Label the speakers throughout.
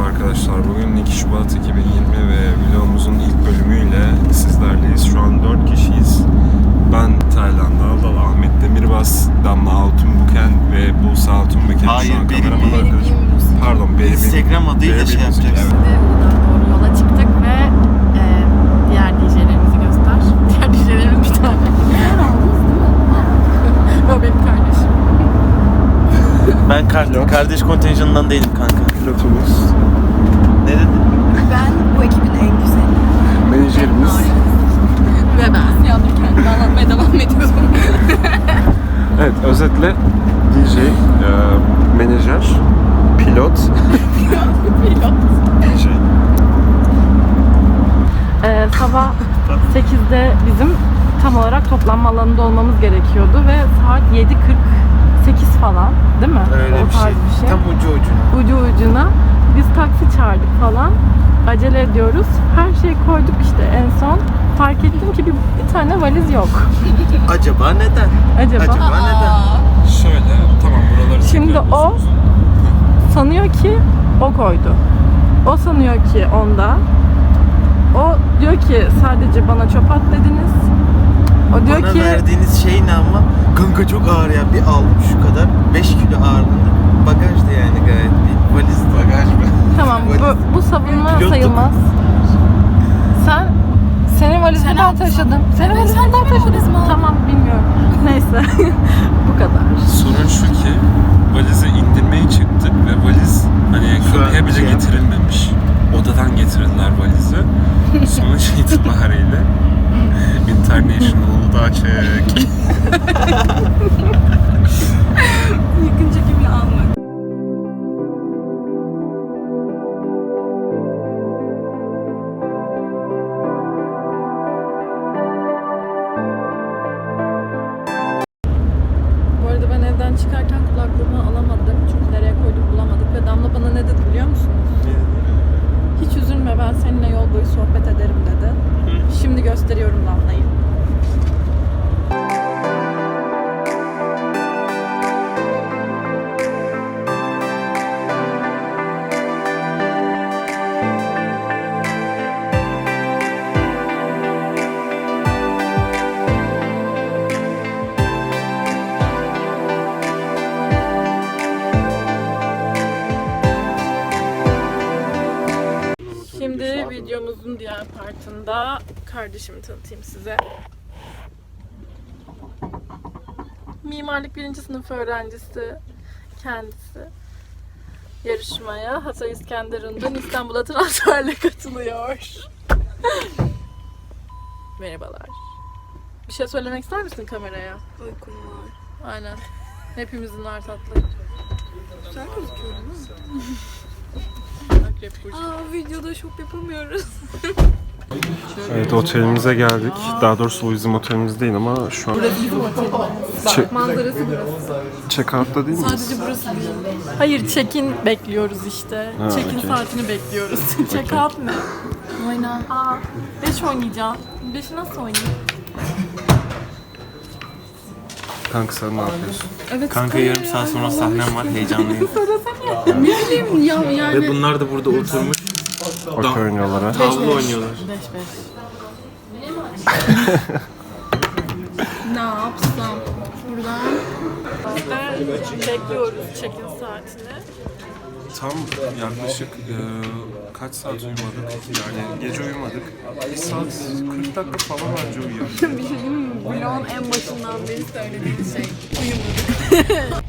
Speaker 1: arkadaşlar. Bugün 2 Şubat 2020 ve vlogumuzun ilk bölümüyle sizlerleyiz. Şu an 4 kişiyiz. Ben Taylan Daldal, Ahmet Demirbas, Damla Altunbuken ve Buse Altunbuken.
Speaker 2: Hayır,
Speaker 1: şu an
Speaker 2: benim
Speaker 1: kameraman
Speaker 2: değil.
Speaker 1: arkadaşım. Pardon, benim.
Speaker 2: Instagram adıyla şey
Speaker 1: müzik,
Speaker 2: yapacaksın.
Speaker 1: evet.
Speaker 3: Doğru yola çıktık ve diğer DJ'lerimizi göster. Diğer DJ'lerimiz bir tane. O benim kardeşim.
Speaker 2: Ben kardeş kontenjanından değilim kanka.
Speaker 1: Pilotumuz,
Speaker 2: Ne dedin?
Speaker 4: Ben bu ekibin en güzeli.
Speaker 1: menajerimiz.
Speaker 3: Ve ben. Yandım kendimi anlatmaya devam ediyorum.
Speaker 1: Evet, özetle DJ, menajer, pilot, DJ.
Speaker 3: Sabah 8'de bizim tam olarak toplanma alanında olmamız gerekiyordu ve saat 7:48 falan, değil mi?
Speaker 2: Öyle
Speaker 3: O
Speaker 2: bir
Speaker 3: tarz
Speaker 2: şey. Tam ucu ucuna.
Speaker 3: Ucu ucuna. Biz taksi çağırdık falan. Acele ediyoruz. Her şeyi koyduk işte en son. Fark ettim ki bir tane valiz yok.
Speaker 2: Acaba neden?
Speaker 3: Acaba?
Speaker 2: neden?
Speaker 1: Şöyle, tamam buraları
Speaker 3: Şimdi
Speaker 1: çekiyorum.
Speaker 3: o sanıyor ki o koydu. O sanıyor ki onda. O diyor ki sadece bana çöp at dediniz. O diyor
Speaker 2: Bana
Speaker 3: ki
Speaker 2: verdiğiniz şey ne ama? Kanka çok ağır ya. Bir aldım şu kadar. 5 kilo ağırlığında. Bagajdı yani gayet bir valizdi. Bagaj mı?
Speaker 3: tamam bu savunma
Speaker 2: Pilotluk.
Speaker 3: sayılmaz. Senin valizini ben taşıdım. Senin valizini ben taşıdım. Tamam bilmiyorum. Neyse. Bu kadar.
Speaker 1: Sorun şu ki valizi indirmeye çıktık ve valiz hani
Speaker 2: Şu an
Speaker 1: kapıya bile
Speaker 2: şey
Speaker 1: getirilmemiş. Odadan getirdiler valizi. Sonuç itibariyle International Uludağ çek.
Speaker 4: Yakın çekimle almak.
Speaker 3: Bu arada ben evden çıkarken kulaklığımı alamadım. Çünkü nereye koyduk bulamadık ve Damla bana ne dedi biliyor musunuz? Hiç üzülme ben seninle yol boyu sohbet ederim dedi. Şimdi gösteriyorum Damla'yı. Şimdi videomuzun diğer partında kardeşimi tanıtayım size. Mimarlık 1. sınıf öğrencisi kendisi. Yarışmaya Hatay İskenderun'dan İstanbul'a transferle katılıyor. Merhabalar. Bir şey söylemek ister misin kameraya?
Speaker 4: Uykum var.
Speaker 3: Aynen. Hepimizin var tatlı.
Speaker 4: Güzel gözüküyor değil mi?
Speaker 3: Akrep burcu.
Speaker 4: Videoda şok yapamıyoruz.
Speaker 1: Evet, otelimize geldik. Daha doğrusu o bizim otelimiz değil ama şu an
Speaker 4: Manzarası burası.
Speaker 1: check-out'ta değil miyiz?
Speaker 4: Sadece burası değil.
Speaker 3: Hayır, check-in bekliyoruz işte.
Speaker 1: Ha,
Speaker 3: Check-in
Speaker 1: okey.
Speaker 3: saatini bekliyoruz. Check-out ne?
Speaker 4: Oyna.
Speaker 3: Aa, 5 oynayacağım. 5'i nasıl oynayayım?
Speaker 1: Kanka sen ne yapıyorsun?
Speaker 4: Evet.
Speaker 2: Kanka yarım saat sonra sahnem var. Heyecanlıyım.
Speaker 4: Ne bileyim ya yani.
Speaker 2: Ve bunlar da burada oturmuş.
Speaker 1: Okey oynuyorlar ha.
Speaker 2: Tavla oynuyorlar.
Speaker 3: 5-5.
Speaker 4: Ne yapsam? Buradan.
Speaker 3: Bekliyoruz check-in saatini.
Speaker 1: Tam yaklaşık kaç saat uyumadık? Yani gece uyumadık. 1 saat 40 dakika falan önce uyuyoruz.
Speaker 4: Bir şey diyeyim mi? Vlogun en başından beri söylediğim şey. Uyumadık.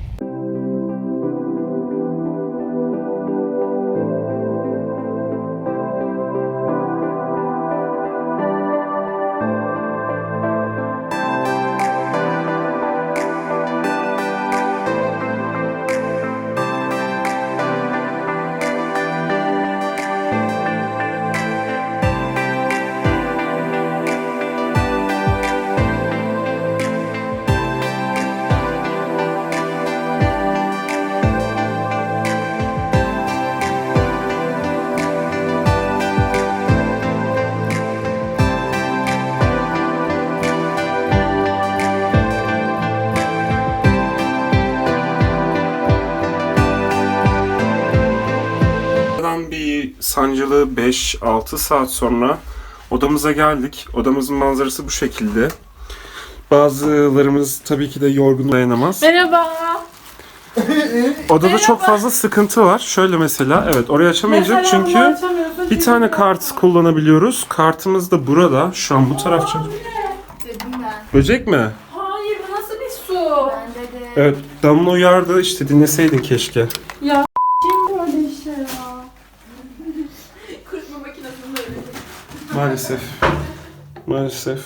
Speaker 1: Buradan bir sancılı 5-6 saat sonra odamıza geldik. Odamızın manzarası bu şekilde. Bazılarımız tabii ki de yorgun dayanamaz.
Speaker 3: Merhaba.
Speaker 1: Odada çok fazla sıkıntı var. Şöyle mesela, evet orayı açamayacak çünkü bir tane kart kullanabiliyoruz. Kartımız da burada. Şu an bu tarafça. Böcek mi?
Speaker 3: Hayır, bu nasıl bir su?
Speaker 1: Evet, Damla uyardı. İşte dinleseydin keşke.
Speaker 3: Ya kim böyle işe ya?
Speaker 4: Kurutma makinesinde öyle.
Speaker 1: Maalesef. Maalesef.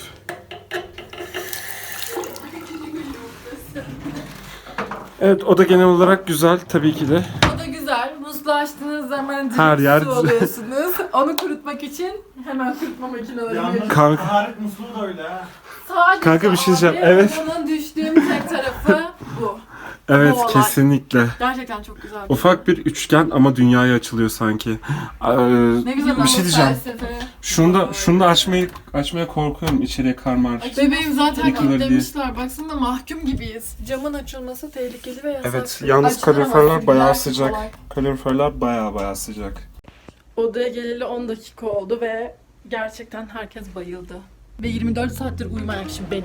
Speaker 1: Evet, o da genel olarak güzel tabii ki de.
Speaker 3: O da güzel. Musluğu açtığınız zaman
Speaker 1: Her yer
Speaker 3: su alıyorsunuz. Onu kurutmak için hemen kurutma makineleri geliyor.
Speaker 1: Kanka,
Speaker 2: Taharet musluğu da öyle ha.
Speaker 3: Sadece
Speaker 1: Kanka bir şey diyeceğim,
Speaker 3: abi,
Speaker 1: evet.
Speaker 3: Bunun düştüğüm tek tarafı bu.
Speaker 1: evet
Speaker 3: Bu olay.
Speaker 1: kesinlikle.
Speaker 3: Gerçekten çok güzel.
Speaker 1: Ufak bir üçgen ama dünyaya açılıyor sanki.
Speaker 3: Ne güzel
Speaker 1: bir şey diyeceğim.
Speaker 3: felsefe.
Speaker 1: Şunu da açmaya korkuyorum, içeriye karmar.
Speaker 3: Bebeğim zaten
Speaker 1: Yıkılır diye.
Speaker 3: kilitlemişler. Baksana mahkum gibiyiz. Camın açılması tehlikeli ve yasak.
Speaker 1: Evet, yalnız
Speaker 3: Açtıramazsın,
Speaker 1: kaloriferler bayağı
Speaker 3: gidersin
Speaker 1: sıcak.
Speaker 3: kolay.
Speaker 1: Kaloriferler bayağı sıcak.
Speaker 3: Odaya geleli 10 dakika oldu ve gerçekten herkes bayıldı. Ve 24 saattir uyumayan kişi benim.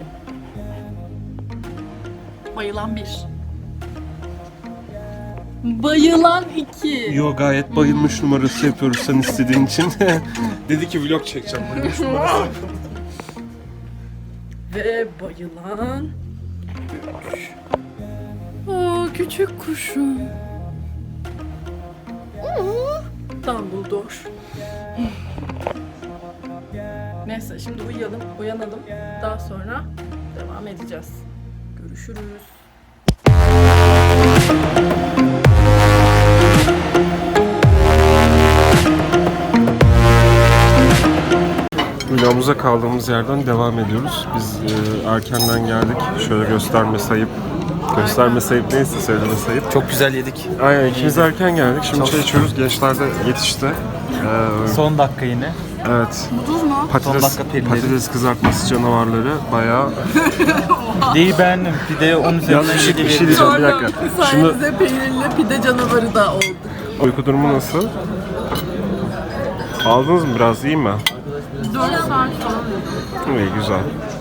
Speaker 3: Bayılan 1. Bayılan 2.
Speaker 1: Yo, gayet bayılmış numarası yapıyoruz sen istediğin için. Dedi ki vlog çekeceğim, bayılmış numarası.
Speaker 3: Ve bayılan 3. Aa, küçük kuşum. Dumbledore. Neyse şimdi uyanalım. Daha sonra devam edeceğiz. Görüşürüz.
Speaker 1: Vlogumuza kaldığımız yerden devam ediyoruz. Biz erkenden geldik. Şöyle gösterme sayıp neyse söyleme sayıp.
Speaker 2: Çok güzel yedik.
Speaker 1: Aynen, ikimiz erken geldik. Şimdi çay içiyoruz. Gençler de yetişti.
Speaker 2: Son dakika yine.
Speaker 1: Evet.
Speaker 2: Son
Speaker 1: Patates,
Speaker 2: dakika perileri.
Speaker 1: patates kızartması canavarları bayağı.
Speaker 2: Pideyi beğendim. Pideye 10
Speaker 1: Yalnız
Speaker 2: üzerinden
Speaker 1: bir şey
Speaker 2: 7 veririm.
Speaker 1: diyeceğim, bir dakika. Şunu,
Speaker 3: Sayenizde peynirli pide canavarı da oldu.
Speaker 1: uyku durumu nasıl? Aldınız mı biraz, iyi mi?
Speaker 3: 4 saat falan.
Speaker 1: İyi, güzel.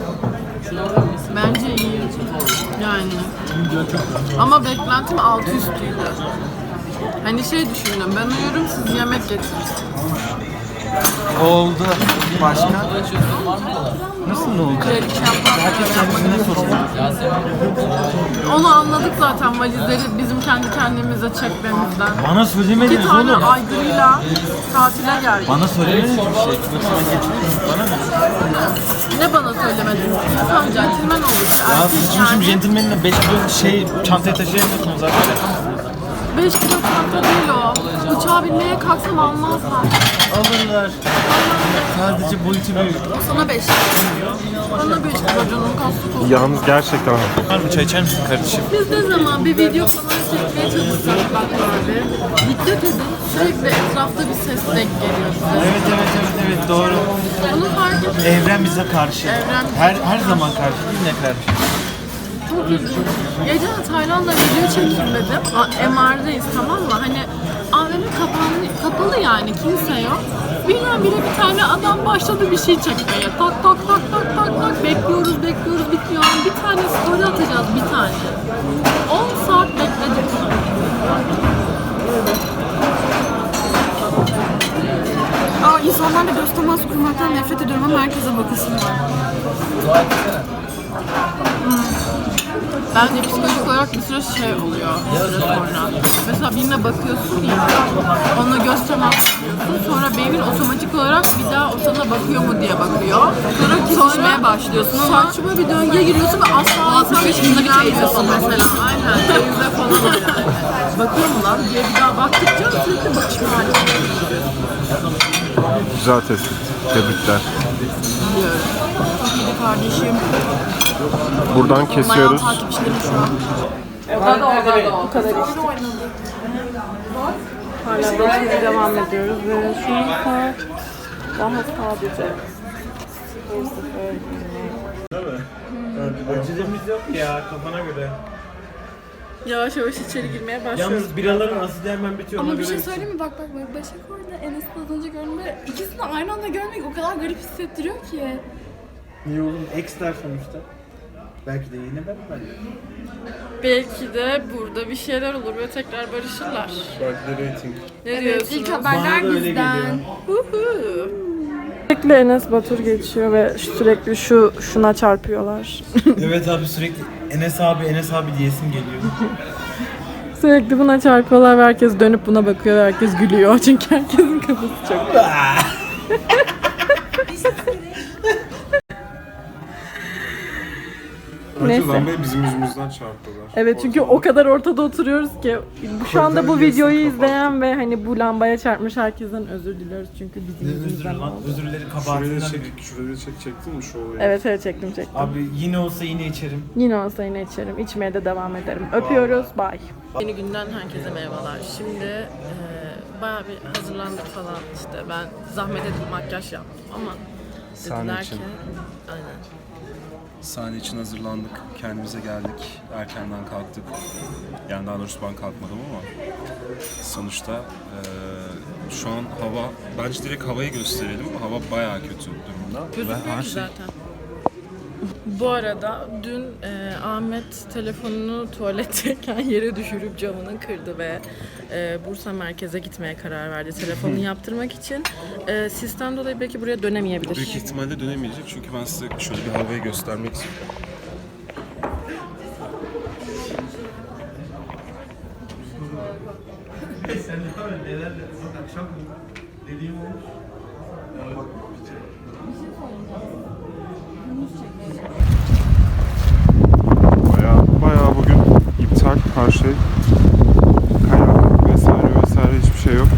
Speaker 3: Bence iyi. Yani. Ama beklentim altı üstüydü. Hani şey düşündüm, ben uyurum siz yemek getirirsiniz.
Speaker 2: Oldu. Başka? Nasıl ne oldu? Herkes kendisine soruyor.
Speaker 3: Onu anladık zaten valizleri bizim kendi kendimize çekmemizden.
Speaker 2: Bana
Speaker 3: İki
Speaker 2: söylemediniz
Speaker 3: tane
Speaker 2: oğlum.
Speaker 3: aygırıyla tatile geldik.
Speaker 2: Bana söylemediniz bir şey. Yoksa ben getirdim. Bana ne?
Speaker 3: Ne bana söylemediniz? Lütfen centilmen olun.
Speaker 2: Ya siz şimdi centilmenle 5 kilo çantaya taşıyamıyorsunuz zaten.
Speaker 3: 5 kilo çanta değil o. Uçağa binmeye kalksam almazlar.
Speaker 2: Alırlar. Sadece boyutu büyük.
Speaker 3: Sana 5 kilo. Bana 5 kilo canım kastık olsun.
Speaker 1: Yalnız gerçekten
Speaker 2: Var mı çay içer misin kardeşim?
Speaker 3: Biz ne zaman bir video falan çekmeye çalışsak bak abi. Dikkat edin, sürekli etrafta bir ses denk geliyor size.
Speaker 2: Evet doğru.
Speaker 3: Bunu fark edin.
Speaker 2: Evren bize karşı.
Speaker 3: Evren bize
Speaker 2: her zaman karşı değil ne karşı?
Speaker 3: Çok üzüldüm. Gece Tayland'da video çekeyim dedim. MR'dayız, tamam mı? Hani AVM kapalı yani, kimse yok. Birdenbire bir tane adam başladı bir şey çekmeye. Tak tak tak tak tak tak. Bekliyoruz bitmiyor. Bir tane story atacağız, bir tane. 10 saat bekledik.
Speaker 4: İnsanlarla göz teması kurmaktan nefret ediyorum ama herkese bakasım var.
Speaker 3: Bence psikolojik olarak bir süre şey oluyor, bir süre sonra. Mesela birine bakıyorsun ya, ona göz teması yapıyorsun, sonra beynin otomatik olarak bir daha o sana bakıyor mu diye bakıyor. Sonra kesişmeye başlıyorsun ama saçma bir döngüye giriyorsun ve asla ilgilenmiyorsun mesela. Aynen, teyze falan öyle. Bakıyor mu lan diye bir daha baktıkça sürekli bakışma halinde.
Speaker 1: güzel tespit. Tebrikler.
Speaker 3: Biliyorum. Çok iyi kardeşim.
Speaker 1: Buradan kesiyoruz.
Speaker 3: Bayağı takipçilerim şu an. O kadar işte. Hala bakmaya devam ediyoruz ve şu an saat daha sadece 0:20.
Speaker 2: Acelemiz yok ya kafana göre.
Speaker 3: Yavaş yavaş içeri girmeye başlıyoruz.
Speaker 2: Yalnız biraların asidi hemen bitiyor.
Speaker 4: Ama
Speaker 2: ona
Speaker 4: bir şey
Speaker 2: göre
Speaker 4: söyleyeyim mi? Bak Başak orada Enes'i az önce gördüğümde ikisini de aynı anda görmek o kadar garip hissettiriyor ki.
Speaker 2: Niye oğlum? Eksler sonuçta. Belki de yine ben.
Speaker 3: Belki de burada bir şeyler olur ve tekrar barışırlar.
Speaker 1: Belki de rating.
Speaker 3: Ne
Speaker 4: Evet,
Speaker 3: diyorsunuz?
Speaker 4: ilk
Speaker 2: Bana
Speaker 4: haberler
Speaker 2: da öyle
Speaker 4: bizden.
Speaker 2: geliyor.
Speaker 3: Sürekli Enes Batur geçiyor ve sürekli şuna çarpıyorlar.
Speaker 2: Evet abi sürekli Enes abi diyesim geliyor.
Speaker 3: Sürekli buna çarpıyorlar ve herkes dönüp buna bakıyor ve herkes gülüyor. Çünkü herkesin kafası çok. Neyse.
Speaker 1: Neyse. Bey bizim yüzümüzden çarptılar.
Speaker 3: Evet çünkü o kadar ortada oturuyoruz ki şu anda bu videoyu izleyen ve hani bu lambaya çarpmış herkesten özür diliyoruz çünkü bizim yüzümüzden oldu.
Speaker 2: Özürleri
Speaker 1: Şuraya
Speaker 2: kabahatinden
Speaker 1: çek,
Speaker 2: büyük.
Speaker 1: şuraya çektin mi şu olayı?
Speaker 3: Evet çektim.
Speaker 2: Abi yine olsa yine içerim.
Speaker 3: Yine olsa yine içerim. İçmeye de devam ederim. Öpüyoruz. Bye. Yeni günden herkese merhabalar. Şimdi bayağı bir hazırlandık falan işte. Ben zahmet edip makyaj yaptım ama
Speaker 1: Sahne
Speaker 3: dediler
Speaker 1: için.
Speaker 3: ki aynen.
Speaker 1: Sahne için hazırlandık, kendimize geldik, erkenden kalktık. Yani daha doğrusu ben kalkmadım ama sonuçta şu an hava, bence direkt havayı gösterelim. Hava bayağı kötü durumda.
Speaker 3: Gözükmüyor ki zaten. Bu arada dün Ahmet telefonunu tuvaletteyken yere düşürüp camını kırdı ve Bursa merkeze gitmeye karar verdi telefonunu yaptırmak için. Sistem dolayı belki buraya dönemeyebilir.
Speaker 1: Büyük ihtimalle dönemeyecek çünkü ben size şöyle bir havayı göstermek istiyorum.
Speaker 2: Sen neler akşam dediğim olmuş.
Speaker 1: Bayağı bugün iptal her şey. Kayak vesaire hiçbir şey yok.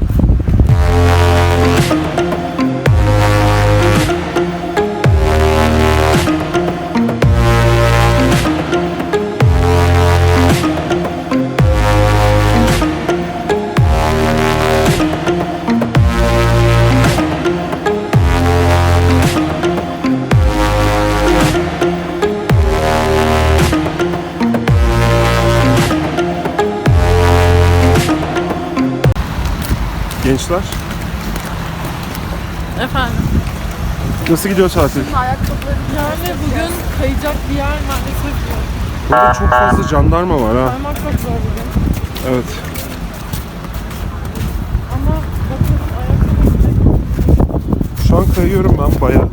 Speaker 1: Gençler,
Speaker 3: Efendim?
Speaker 1: nasıl gidiyor tatil?
Speaker 3: Yani bugün kayacak bir yer maalesef yok.
Speaker 1: Burada çok fazla jandarma var ha.
Speaker 3: Kaymak çok zor bugün.
Speaker 1: Evet.
Speaker 3: Ama bakalım ayakkabı
Speaker 1: Şu an kayıyorum ben bayağı.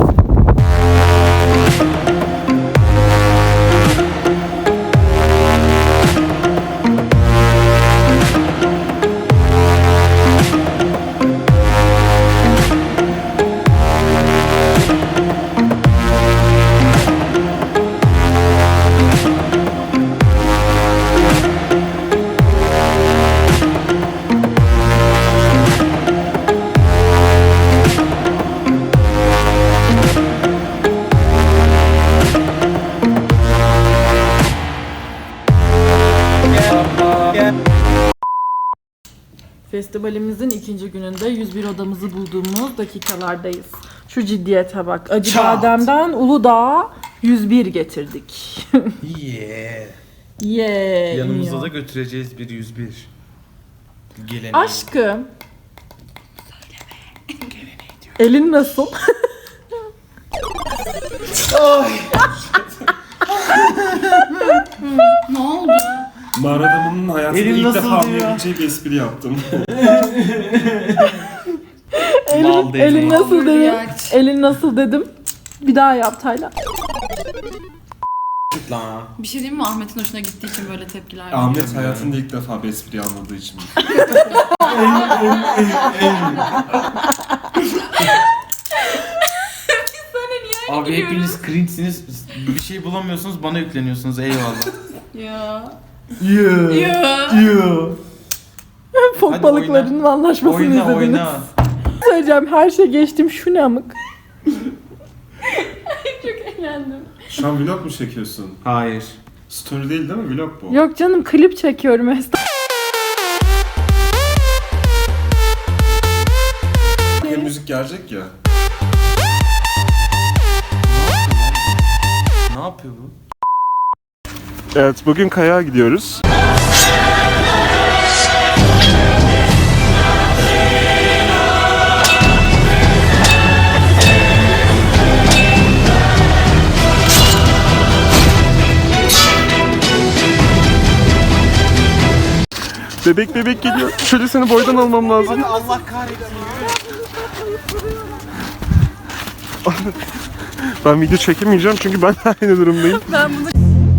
Speaker 3: Festivalimizin ikinci gününde 101 odamızı bulduğumuz dakikalardayız. Şu ciddiyete bak. Acı
Speaker 2: Çat.
Speaker 3: Badem'den Uludağ'a 101 getirdik.
Speaker 2: Yeah. Yanımızda
Speaker 3: iniyor.
Speaker 2: da götüreceğiz bir 101. Geleneği.
Speaker 3: Aşkım. Elin nasıl?
Speaker 4: Ne oldu?
Speaker 1: Mağara adamının hayatında
Speaker 2: Elin
Speaker 1: ilk
Speaker 2: nasıl
Speaker 1: defa
Speaker 2: diyor?
Speaker 1: anlayabileceği bir espri yaptım.
Speaker 2: Mal değil.
Speaker 3: Elin nasıl dedim?
Speaker 4: Overreact.
Speaker 3: Elin nasıl dedim? Bir daha yap Taylan.
Speaker 2: Lan.
Speaker 4: Bir şey diyeyim mi? Ahmet'in hoşuna gittiği için böyle tepkiler veriyor.
Speaker 1: Ahmet hayatında ilk defa bir espri anladığı için.
Speaker 2: Abi hepiniz cringe'siniz. Bir şey bulamıyorsunuz bana yükleniyorsunuz eyvallah.
Speaker 4: Ya.
Speaker 2: Yeah.
Speaker 4: Ya.
Speaker 3: Fok
Speaker 2: Hadi
Speaker 3: balıklarının anlaşmasını
Speaker 2: Oyna
Speaker 3: izlediniz.
Speaker 2: oyna.
Speaker 3: Söyleyeceğim her şey geçtim şu ne amık.
Speaker 4: Çok eğlendim.
Speaker 1: Şu an vlog mu çekiyorsun?
Speaker 2: Hayır.
Speaker 1: Story değil mi? Vlog bu.
Speaker 3: Yok canım klip çekiyorum.
Speaker 1: Müzik gelecek ya.
Speaker 2: Ne yapıyor bu?
Speaker 1: Evet, bugün kayağa gidiyoruz. Bebek geliyor. Şöyle seni boydan almam lazım.
Speaker 2: Allah kahretsin.
Speaker 1: Ben video çekemeyeceğim çünkü ben aynı durumdayım.
Speaker 3: Ben bunu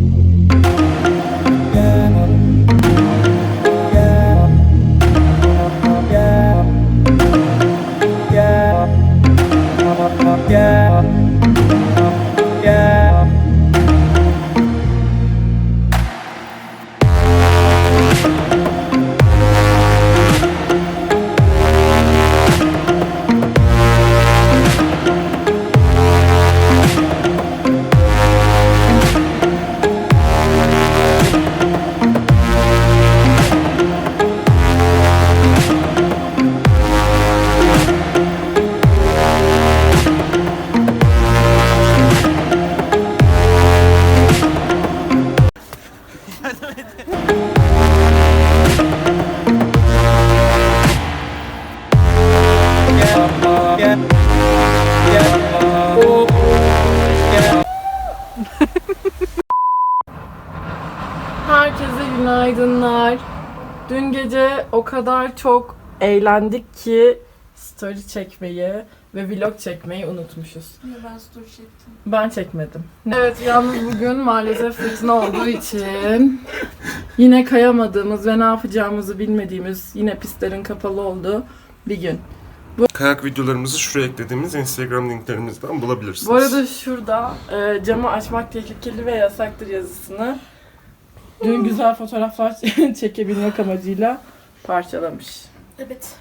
Speaker 3: Herkese günaydınlar. Dün gece o kadar çok eğlendik ki story çekmeyi ve vlog çekmeyi unutmuşuz.
Speaker 4: Ben story çektim.
Speaker 3: Ben çekmedim. Evet, yalnız bugün maalesef fırtına olduğu için yine kayamadığımız ve ne yapacağımızı bilmediğimiz, yine pistlerin kapalı olduğu bir gün.
Speaker 1: Kayak videolarımızı şuraya eklediğimiz Instagram linklerimizden bulabilirsiniz.
Speaker 3: Bu arada şurada camı açmak tehlikeli ve yasaktır yazısını dün güzel fotoğraflar çekebilmek amacıyla parçalamış.
Speaker 4: Evet.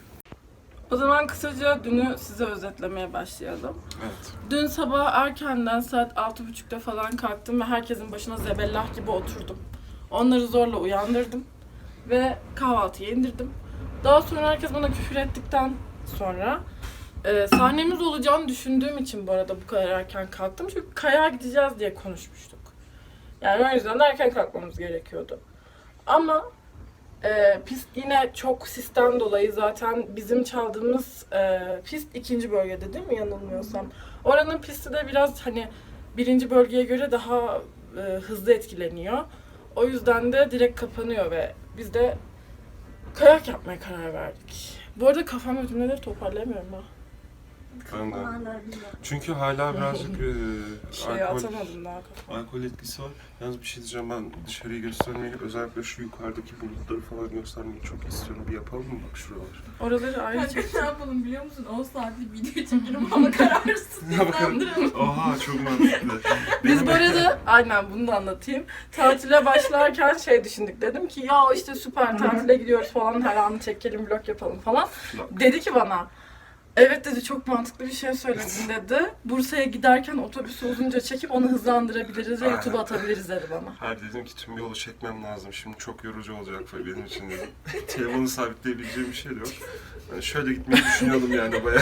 Speaker 3: O zaman kısaca dünü size özetlemeye başlayalım.
Speaker 1: Evet.
Speaker 3: Dün sabah erkenden saat 6.30'da falan kalktım ve herkesin başına zebellah gibi oturdum. Onları zorla uyandırdım ve kahvaltıya indirdim. Daha sonra herkes bana küfür ettikten sonra sahnemiz olacağını düşündüğüm için bu arada bu kadar erken kalktım. Çünkü kayağa gideceğiz diye konuşmuştuk. Yani o yüzden de erken kalkmamız gerekiyordu. Ama pist yine çok sisten dolayı zaten bizim çaldığımız pist 2. bölgede değil mi yanılmıyorsam. Oranın pisti de biraz hani 1. bölgeye göre daha hızlı etkileniyor. O yüzden de direkt kapanıyor ve biz de kayak yapmaya karar verdik. Bu arada kafam ödümleri toparlayamıyorum ha.
Speaker 1: Ben de. Çünkü hala birazcık
Speaker 3: Atamadım daha kafam.
Speaker 1: alkol etkisi var. Yalnız bir şey diyeceğim, ben dışarıyı göstermeyi, özellikle şu yukarıdaki bulutları falan göstermeyi çok istiyorum. Bir yapalım mı bak şuralar?
Speaker 3: Oraları ayrı
Speaker 4: Kanka
Speaker 3: çek.
Speaker 4: ne yapalım biliyor musun? 10 saatlik video çekelim ama kararsız hızlandıralım.
Speaker 1: Oha çok mantıklı.
Speaker 3: Biz bu arada aynen bunu da anlatayım. Tatile başlarken şey düşündük. Dedim ki ya işte süper tatile gidiyoruz falan, her anı çekelim, vlog yapalım falan. Dedi ki bana, evet dedi, çok mantıklı bir şey söyledin dedi. Bursa'ya giderken otobüsü uzunca çekip onu hızlandırabiliriz ve YouTube'a atabiliriz dedi bana.
Speaker 1: Hayır, dedim ki tüm yolu çekmem lazım. Şimdi çok yorucu olacak benim için dedim. Telefonu sabitleyebileceğim bir şey de yok. Yani şöyle gitmeyi düşünüyordum yani bayağı.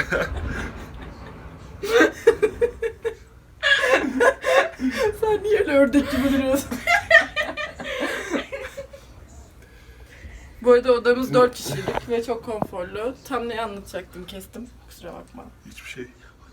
Speaker 3: Sen niye öyle ördek gibi duruyorsun? Bu arada odamız 4 kişilik ve çok konforlu. Tam ne anlatacaktım, kestim. Kusura bakma.
Speaker 1: Hiçbir şey.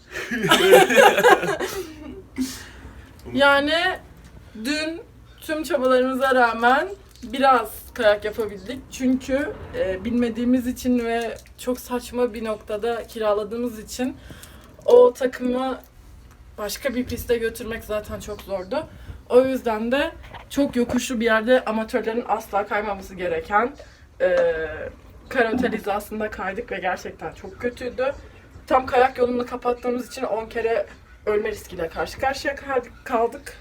Speaker 3: Yani dün tüm çabalarımıza rağmen biraz kayak yapabildik. Çünkü bilmediğimiz için ve çok saçma bir noktada kiraladığımız için o takımı başka bir piste götürmek zaten çok zordu. O yüzden de çok yokuşlu bir yerde amatörlerin asla kaymaması gereken karotel hizasında kaydık ve gerçekten çok kötüydü. Tam kayak yolunu kapattığımız için 10 kere ölme riskiyle karşı karşıya kaldık.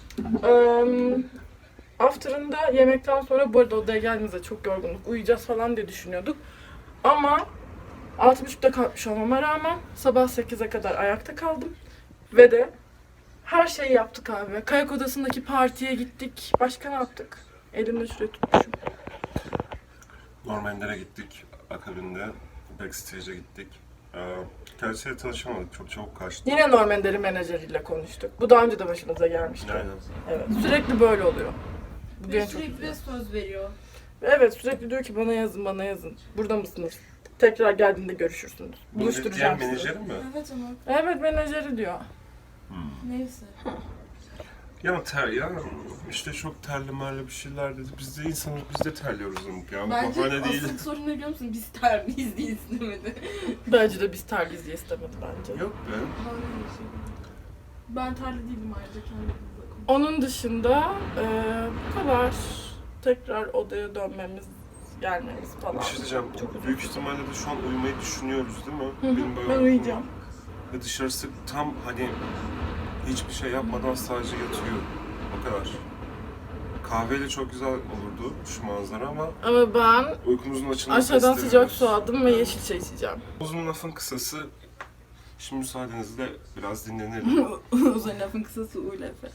Speaker 3: After'ında yemekten sonra bu arada odaya geldiğimizde çok yorgunluk, uyuyacağız falan diye düşünüyorduk. Ama 6.30'da kalkmış olmama rağmen sabah 8'e kadar ayakta kaldım. Ve de her şeyi yaptık abi. Kayak odasındaki partiye gittik. Başka ne yaptık? Elimde şuraya tutmuşum.
Speaker 1: Normallere gittik. Akabinde backstage'e gittik. Kendisiyle tanışamadık. Çok çabuk kaçtı.
Speaker 5: Yine Norm Ender'in menajeriyle konuştuk. Bu daha önce de başımıza gelmişti.
Speaker 1: Aynen.
Speaker 5: Evet. Sürekli böyle oluyor. Bu
Speaker 4: Ve
Speaker 5: beni çok
Speaker 4: sürekli
Speaker 5: üzüyor.
Speaker 4: söz veriyor.
Speaker 5: Evet, sürekli diyor ki bana yazın, bana yazın. Burada mısınız? Tekrar geldiğinde görüşürsünüz. Buluşturacağım
Speaker 1: Diğer
Speaker 5: sizi.
Speaker 1: menajerim mi?
Speaker 4: Evet ama
Speaker 5: Evet, menajeri diyor.
Speaker 4: neyse.
Speaker 1: Ya işte çok terli merli bir şeyler dedi. Biz de insanız, biz de terliyoruz Umut ya. Bu
Speaker 4: Bence
Speaker 1: bahane değil.
Speaker 4: asıl sorun ne biliyor musun? Biz terbiyiz diye istemedi.
Speaker 5: Bence de biz terliyiz diye istemedi bence.
Speaker 1: Yok be.
Speaker 4: Hayır. Ben terli değilim ayrıca kendimle konuşuyorum.
Speaker 5: Onun dışında bu kadar. Tekrar odaya dönmemiz, gelmemiz falan.
Speaker 1: Bir şey diyeceğim.
Speaker 5: Çok
Speaker 1: Büyük ihtimalle de şu an uyumayı düşünüyoruz değil mi?
Speaker 5: Hı hı,
Speaker 1: Benim böyle
Speaker 5: ben
Speaker 1: uykum
Speaker 5: uyuyacağım.
Speaker 1: var. Ve dışarısı tam hani hiçbir şey yapmadan sadece yatıyor. O kadar. Kahveyle çok güzel olurdu şu manzara ama
Speaker 5: Ama ben
Speaker 1: uykumuzun açılması
Speaker 5: aşağıdan sıcak
Speaker 1: istemiyoruz.
Speaker 5: su aldım ve yeşil çay içeceğim.
Speaker 1: Uzun lafın kısası, şimdi müsaadenizle biraz dinlenelim.
Speaker 4: Uzun lafın kısası uyla Efe.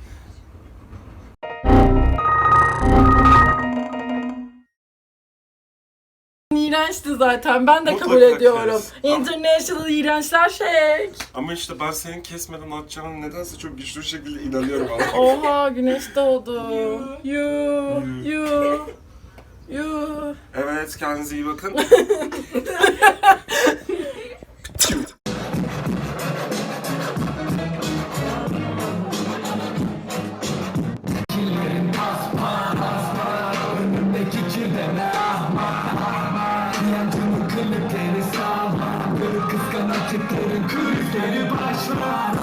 Speaker 5: İğrençti zaten. Ben de
Speaker 1: Mutlaka
Speaker 5: kabul ediyorum.
Speaker 1: kes.
Speaker 5: International iğrençler şey.
Speaker 1: Ama işte ben senin kesmeden atacağına nedense çok güçlü bir şekilde inanıyorum abi.
Speaker 5: Oha, güneş doğdu. You.
Speaker 1: Evet, kendinize iyi bakın.
Speaker 6: Kıskançlıkların krizleri başlar.